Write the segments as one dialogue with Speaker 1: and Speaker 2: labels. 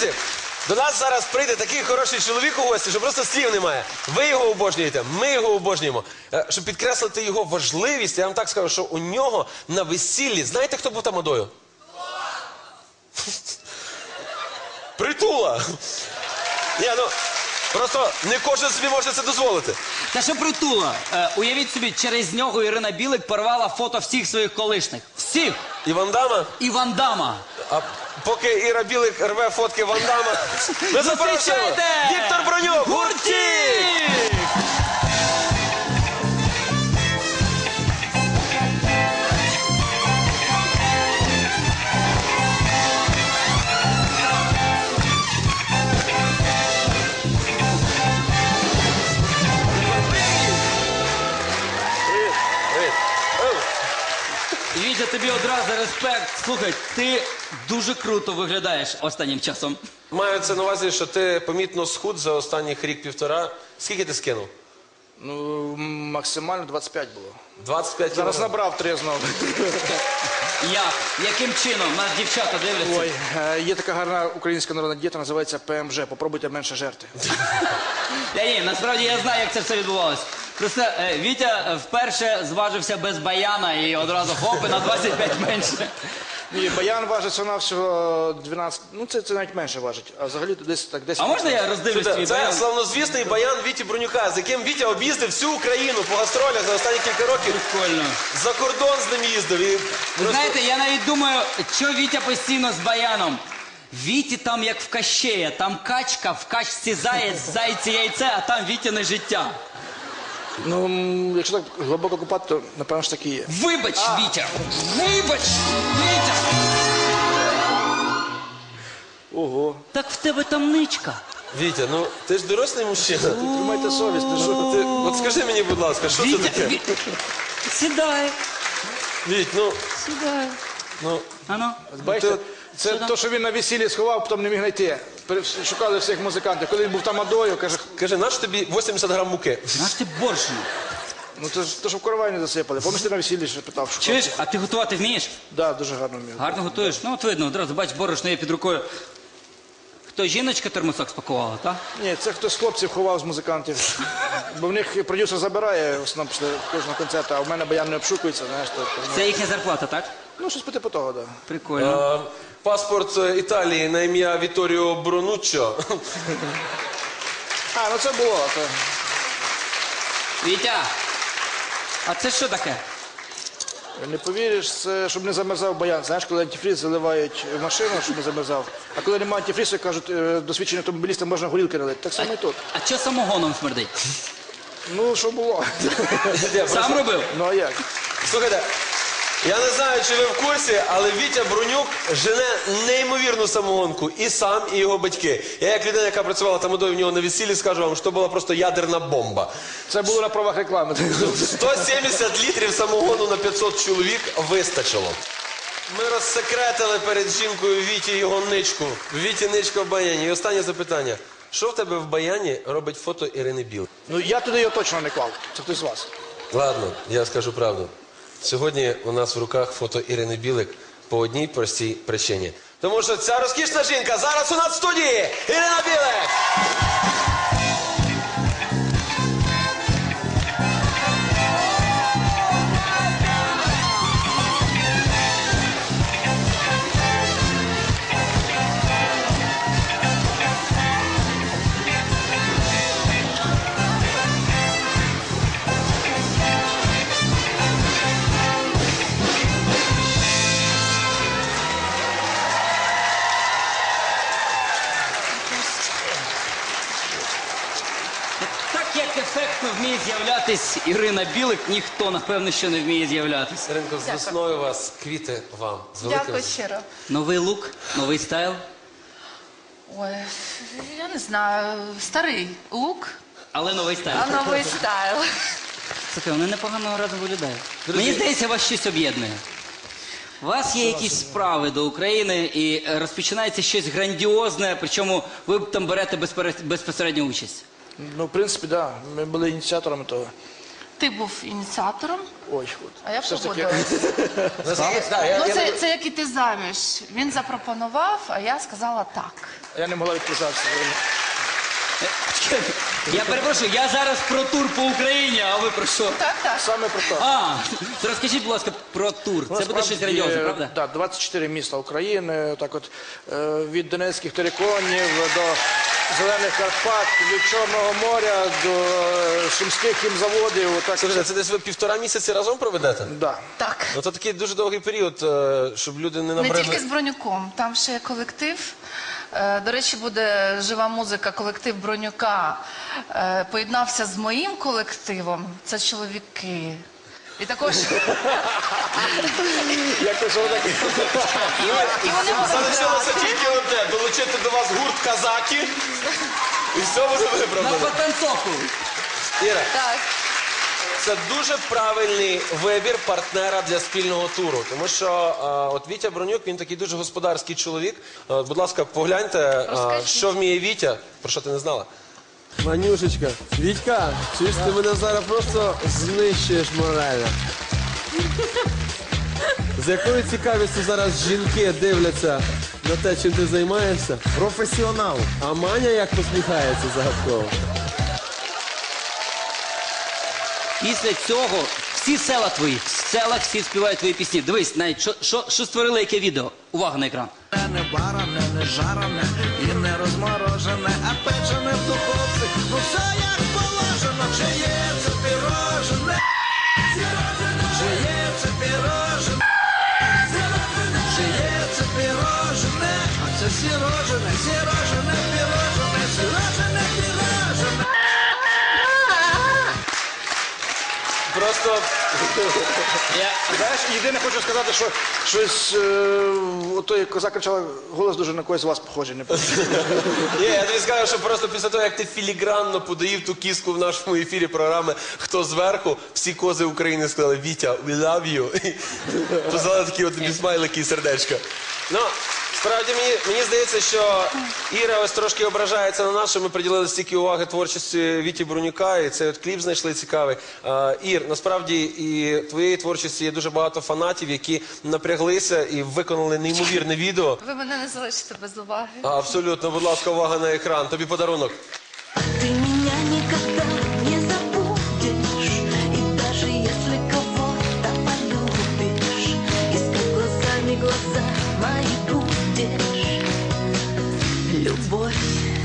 Speaker 1: Друзі, до нас зараз прийде такий хороший чоловік у гості, що просто слів немає. Ви його обожнюєте, ми його обожнюємо. Щоб підкреслити його важливість, я вам так скажу, що у нього на весіллі, знаєте, хто був тамадою? Притула! Ні, ну, просто не кожен собі може це дозволити.
Speaker 2: Та що Притула? Уявіть собі, через нього Ірина Білик порвала фото всіх своїх колишніх. Всіх!
Speaker 1: І Ван Дамма?
Speaker 2: І Ван Дамма.
Speaker 1: А поки Іра Білик рве фотки Ван Дамма, ми запрошуємо
Speaker 2: Зустрічайте!
Speaker 1: Віктор Бронюк!
Speaker 2: Гуртік! Вітя, тобі одразу респект. Слухай, ти дуже круто виглядаєш останнім часом.
Speaker 1: Маю це на увазі, що ти помітно схуд за останніх рік-півтора. Скільки ти скинув?
Speaker 3: Ну, максимально 25 було.
Speaker 1: 25
Speaker 3: Зараз
Speaker 1: кілограм.
Speaker 3: набрав 3 знову.
Speaker 2: Як? Яким чином? Нас дівчата дивляться.
Speaker 3: Ой, є така гарна українська народна дієта, називається ПМЖ. Попробуйте менше жерти.
Speaker 2: Ні, насправді я знаю, як це все відбувалося. Просто Вітя вперше зважився без баяна і одразу хоп, і на 25 менше.
Speaker 3: Ні, баян важить всього 12, ну це навіть менше важить, а взагалі то десь так 10.
Speaker 2: А можна я роздивлюсь твій
Speaker 1: Це
Speaker 2: баян?
Speaker 1: славнозвісний баян Віті Бронюка, з яким Вітя об'їздив всю Україну по гастролях за останні кілька років.
Speaker 2: Прикольно.
Speaker 1: За кордон з ним їздив. І
Speaker 2: Ви
Speaker 1: просто-
Speaker 2: знаєте, я навіть думаю, що Вітя постійно з баяном. Віті там як в Кащея, там качка, в качці заєць, в зайці яйце, а там Вітяне життя.
Speaker 3: Ну, якщо так глибоко купати, то напевно ж таки є.
Speaker 2: Вибач, Вітя! Вибач, Вітя!
Speaker 3: Ого.
Speaker 2: Так в тебе там ничка.
Speaker 1: Вітя, ну ти ж дорослий мужчина.
Speaker 3: Тримайте совість, ти що?
Speaker 1: От скажи мені, будь ласка, що це
Speaker 2: Вітя,
Speaker 1: таке?
Speaker 2: сідай,
Speaker 1: Віть, ну,
Speaker 2: сідай.
Speaker 1: ну,
Speaker 2: Ано.
Speaker 3: Бачите, це
Speaker 2: Що там?
Speaker 3: то, що він на весіллі сховав, потім не міг знайти. Шукали всіх музикантів. Коли він був тамадою, каже,
Speaker 1: кажи, наш тобі 80 грам муки?
Speaker 2: Наш ти борщину.
Speaker 3: ну це ж то, що в коровайні засипали. Помніш, ти на весіллі ще питав, шукав?
Speaker 2: Чуєш, а ти готувати вмієш?
Speaker 3: Да, дуже гарно вмів.
Speaker 2: Гарно готуєш? Ну от видно, одразу бач, борошно є під рукою. Хто, жіночка термосок спакувала, так?
Speaker 3: Ні, це хтось з хлопців ховав з музикантів. Бо в них продюсер забирає в основному після кожного концерту, а в мене баян не обшукується, знаєш.
Speaker 2: Це їхня зарплата, так?
Speaker 3: Ну, щось по типу того, так. Да.
Speaker 2: Прикольно.
Speaker 1: Паспорт Італії на ім'я Віторіо Бронуччо.
Speaker 3: А, ну це було. То...
Speaker 2: Вітя, а це що таке?
Speaker 3: Не повіриш, це щоб не замерзав баян. Знаєш, коли антифріз заливають в машину, щоб не замерзав. А коли немає антифрізу, кажуть, досвідчені автомобілістам можна горілки налити. Так само і тут.
Speaker 2: А що самогоном смердить?
Speaker 3: Ну, що було?
Speaker 2: Сам робив?
Speaker 3: Ну, а як?
Speaker 1: Слухайте, я не знаю, чи ви в курсі, але Вітя Бронюк жене неймовірну самогонку. І сам, і його батьки. Я як людина, яка працювала тамадою в нього на весіллі, скажу вам, що була просто ядерна бомба.
Speaker 3: Це було на правах реклами.
Speaker 1: 170 літрів самогону на 500 чоловік вистачило. Ми розсекретили перед жінкою Віті його ничку. Віті ничка в баяні. І останнє запитання. Що в тебе в баяні робить фото Ірини Білик?
Speaker 3: Ну, я туди його точно не клав. Це хтось з вас.
Speaker 1: Ладно, я скажу правду. Сьогодні у нас в руках фото Ірини Білик по одній простій причині. Тому що ця розкішна жінка зараз у нас в студії! Ірина Білик!
Speaker 2: Так як ефектно вміє з'являтись Ірина Білик, ніхто, напевно, що не вміє з'являтись.
Speaker 1: Іринко, з весною вас, квіти вам. З великим...
Speaker 4: Дякую щиро.
Speaker 2: Новий лук, новий стайл.
Speaker 4: Ой, я не знаю, старий лук,
Speaker 2: Але новий стайл.
Speaker 4: а новий стайл.
Speaker 2: Слухай, вони непогано разом виглядають. Мені здається, вас щось об'єднує. У вас є якісь справи до України і розпочинається щось грандіозне, причому ви там берете безпосередню участь.
Speaker 3: Ну, в принципі, так. Да. Ми були ініціаторами того.
Speaker 4: ти був ініціатором,
Speaker 3: Ой, от.
Speaker 4: а я
Speaker 3: Все ж таки,
Speaker 4: погодилась.
Speaker 1: Наскільки- да, я-
Speaker 4: Ну,
Speaker 1: я-
Speaker 4: це як іти заміж. Він запропонував, а я сказала так.
Speaker 3: я не могла відказатися.
Speaker 2: Я перепрошую, я зараз про тур по Україні, а ви про що?
Speaker 4: Так, так.
Speaker 3: Саме про те.
Speaker 2: А, то розкажіть, будь ласка, про тур. Це буде щось грандіозне, правда?
Speaker 3: Так, 24 міста України, так от, від Донецьких териконів до Зелених Карпат, від Чорного моря до Сумських хімзаводів. Так,
Speaker 1: Слухайте, це десь ви 1,5 місяці разом проведете?
Speaker 3: да.
Speaker 4: Так.
Speaker 1: Ну, це такий дуже довгий період, щоб люди не
Speaker 4: Не
Speaker 1: набрали.
Speaker 4: тільки з Бронюком, там ще є колектив. До речі, буде жива музика, колектив Бронюка. Поєднався з моїм колективом. Це чоловіки. І також
Speaker 3: Якось воно таке.
Speaker 4: і вони будуть
Speaker 1: Залишилося
Speaker 4: грати.
Speaker 1: тільки одне, долучити до вас гурт казаки, і все буде
Speaker 2: На
Speaker 1: виправдано.
Speaker 2: потанцовку.
Speaker 1: Іра,
Speaker 4: Так.
Speaker 1: це дуже правильний вибір партнера для спільного туру. Тому що от Вітя Бронюк, він такий дуже господарський чоловік. Будь ласка, погляньте,
Speaker 4: Розкажіть.
Speaker 1: що вміє Вітя. Про що ти не знала? Манюшечка, Вітька, чуєш, ти мене зараз просто знищуєш морально. З якою цікавістю зараз жінки дивляться на те, чим ти займаєшся?
Speaker 5: Професіонал.
Speaker 1: А Маня як посміхається загадково.
Speaker 2: Після цього всі села твої, в селах всі співають твої пісні. Дивись, навіть що створили яке відео. Увага на екран.
Speaker 5: Не варене, не жарене і не розморожене, а печене в духовці. Ну все як положено, чи є це пірожене, чи є це пірожене, чи є це пірожене, а це сірожене, сірожене, пірожене, сірожене, пірожене.
Speaker 1: Просто
Speaker 3: Знаєш, єдине хочу сказати, що щось, отой коза кричала, голос дуже на когось з вас похожий. Не
Speaker 1: ні, я тобі скажу, що просто після того, як ти філігранно подаїв ту кіску в нашому ефірі програми «Хто зверху», всі кози України сказали «Вітя, we love you». І позвали такі от тобі смайлики і сердечка. Ну, справді, мені здається, що Іра ось трошки ображається на нас, що ми приділили стільки уваги творчості Віті Бронюка, і цей от кліп знайшли цікавий. Ір, насправді і твоєї творчості є дуже багато фанатів, які напряглися і виконали неймовірне відео.
Speaker 4: Ви мене не залишите без уваги.
Speaker 1: Абсолютно, будь ласка, увага на екран. Тобі подарунок.
Speaker 6: Ты меня никогда не забудешь, и даже если кого-то полюбишь, искать глазами глаза мои будешь. Любовь.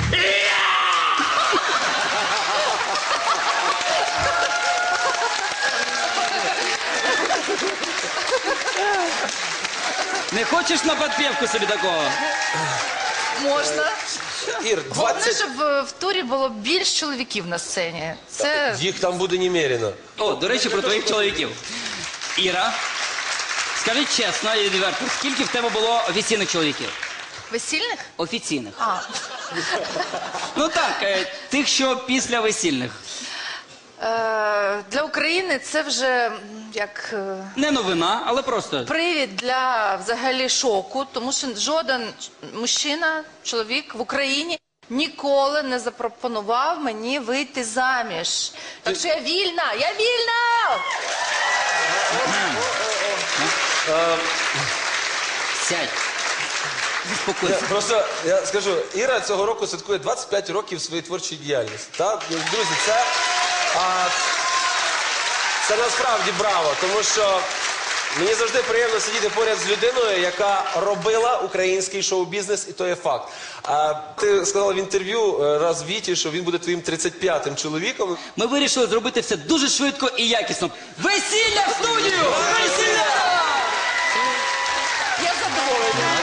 Speaker 2: Не хочеш на підпівку собі такого?
Speaker 4: Можна.
Speaker 1: Ір,
Speaker 4: Головне,
Speaker 1: 20...
Speaker 4: щоб в турі було більш чоловіків на сцені. Це
Speaker 1: Їх там буде немерено.
Speaker 2: О, до речі, про твоїх чоловіків. Іра, скажи чесно і відверто, скільки в тебе було офіційних чоловіків?
Speaker 4: весільних?
Speaker 2: Офіційних.
Speaker 4: А,
Speaker 2: Ну так, тих, що після весільних.
Speaker 4: для України це вже як
Speaker 2: Не новина, але просто.
Speaker 4: привід для взагалі шоку, тому що жоден мужчина, чоловік в Україні ніколи не запропонував мені вийти заміж. Так що я вільна! Я вільна!
Speaker 2: Сядь. Заспокойся.
Speaker 1: Просто я скажу, Іра цього року святкує 25 років своєї творчої діяльності. Так? Ну, друзі, це насправді браво, тому що мені завжди приємно сидіти поряд з людиною, яка робила український шоу-бізнес, і то є факт. Ти сказала в інтерв'ю раз Віті, що він буде твоїм 35-м чоловіком.
Speaker 2: Ми вирішили зробити все дуже швидко і якісно. Весілля в студію! Весілля!
Speaker 4: Я задоволена.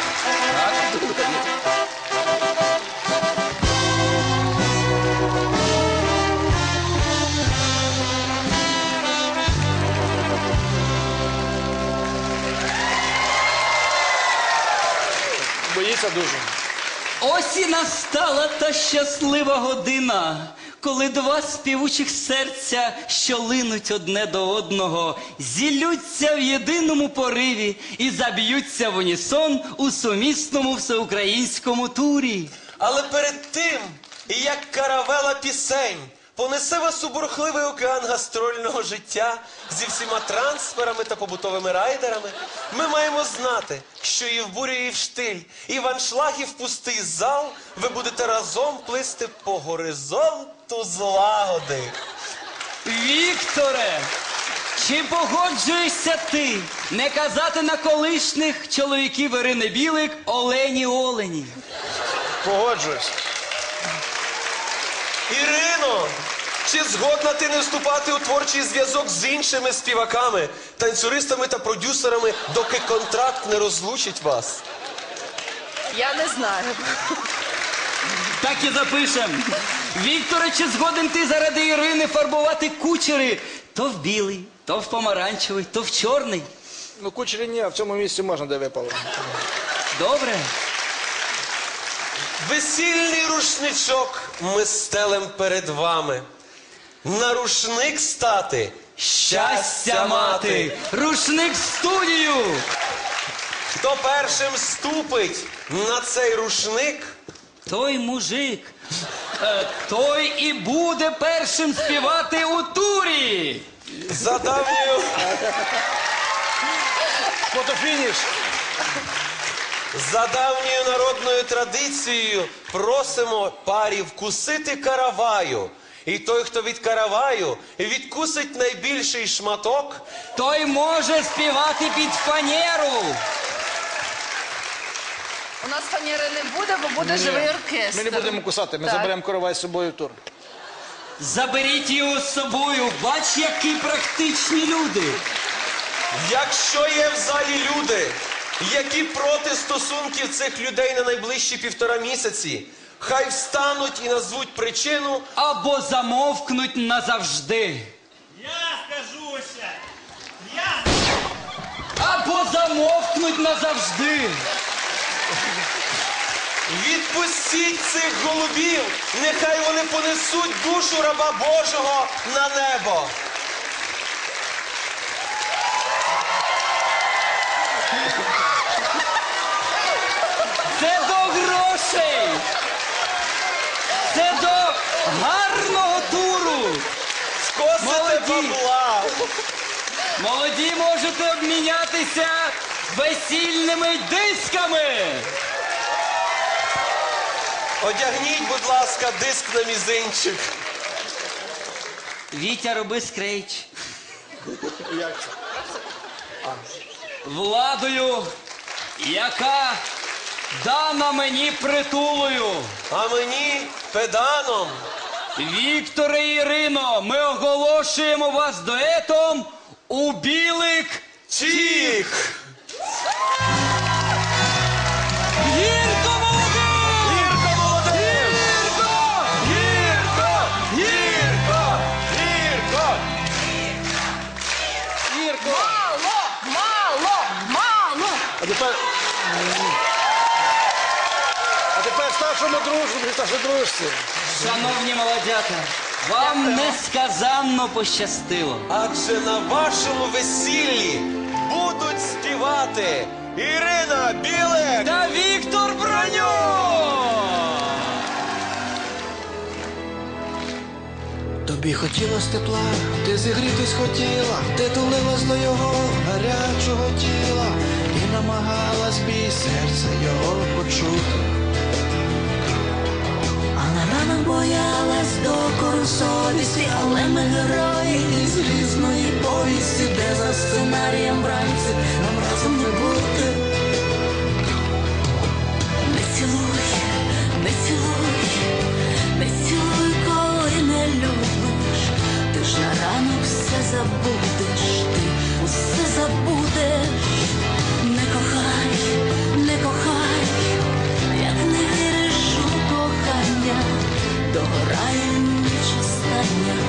Speaker 3: Боїться дуже.
Speaker 2: Ось і настала та щаслива година, коли два співучих серця, що линуть одне до одного, зіллються в єдиному пориві і заб'ються в унісон у сумісному всеукраїнському турі.
Speaker 1: Але перед тим, як каравела пісень понесе вас у бурхливий океан гастрольного життя зі всіма трансферами та побутовими райдерами. Ми маємо знати, що і в бурю, і в штиль, і в аншлаг, і в пустий зал ви будете разом плисти по горизонту злагоди.
Speaker 2: Вікторе, чи погоджуєшся ти не казати на колишніх чоловіків Ірини Білик Олені?
Speaker 3: Погоджуюсь.
Speaker 1: Ірино, чи згодна ти не вступати у творчий зв'язок з іншими співаками, танцюристами та продюсерами, доки контракт не розлучить вас?
Speaker 4: Я не знаю.
Speaker 2: Так і запишем. Вікторе, чи згоден ти заради Ірини фарбувати кучери то в білий, то в помаранчевий, то в чорний?
Speaker 3: Ну, кучері ні, а в цьому місці можна, де випало.
Speaker 2: Добре.
Speaker 1: Весільний рушничок ми стелем перед вами. На рушник стати щастя мати.
Speaker 2: Рушник в студію.
Speaker 1: Хто першим ступить на цей рушник,
Speaker 2: Той мужик, той і буде першим співати у турі.
Speaker 1: за давньою,
Speaker 3: Фотофініш.
Speaker 1: за давньою народною традицією просимо парі вкусити караваю. І той, хто від караваю відкусить найбільший шматок,
Speaker 2: Той може співати під фанеру.
Speaker 4: У нас фанери не буде, бо буде живий оркестр.
Speaker 3: Ми не будемо кусати, ми
Speaker 4: Так.
Speaker 3: заберемо коровай з собою в тур.
Speaker 2: Заберіть його з собою. Бач, які практичні люди.
Speaker 1: якщо є в залі люди, які проти стосунків цих людей на найближчі 1,5 місяці, хай встануть і назвуть причину.
Speaker 2: Або замовкнуть назавжди.
Speaker 7: Я скажуся! Я
Speaker 2: Або замовкнуть назавжди.
Speaker 1: Відпустіть цих голубів, нехай вони понесуть душу раба Божого на небо.
Speaker 2: Це до грошей. Це до гарного туру.
Speaker 1: Скосите
Speaker 2: Молоді.
Speaker 1: бабла.
Speaker 2: Молоді можете обмінятися весільними дисками.
Speaker 1: Одягніть, будь ласка, диск на мізинчик.
Speaker 2: Вітя, роби скрейч. Владою, яка дана мені притулою.
Speaker 1: А мені педаном.
Speaker 2: Вікторе і Ірино, ми оголошуємо вас дуетом у білик
Speaker 1: Тіх!
Speaker 2: гірко молодим!
Speaker 1: Гірко молодим!
Speaker 2: Гірко!
Speaker 1: Гірко! Гірко! Гірко!
Speaker 3: Ірко,
Speaker 4: Мало!
Speaker 3: а тепер старшому дружбі, старшій дружці.
Speaker 2: Шановні молодята, вам несказанно пощастило.
Speaker 1: Адже на вашому весіллі будуть співати Ірина Білик!
Speaker 2: Та Віктор Броньо!
Speaker 5: Тобі хотілось тепла, ти зігрітись хотіла, ти тулилась до його гарячого тіла і намагалась бій серця його почути. А на ранок боялась докору совісті, але ми герої із різної повісті, де за сценарієм вранці нам разом не бути. Не цілуй, не цілуй, не цілуй, коли не любиш. Ти ж на ранок все забудеш, ти усе забудеш. Не кохай, не кохай, як не віриш у кохання, догорає ніч остання.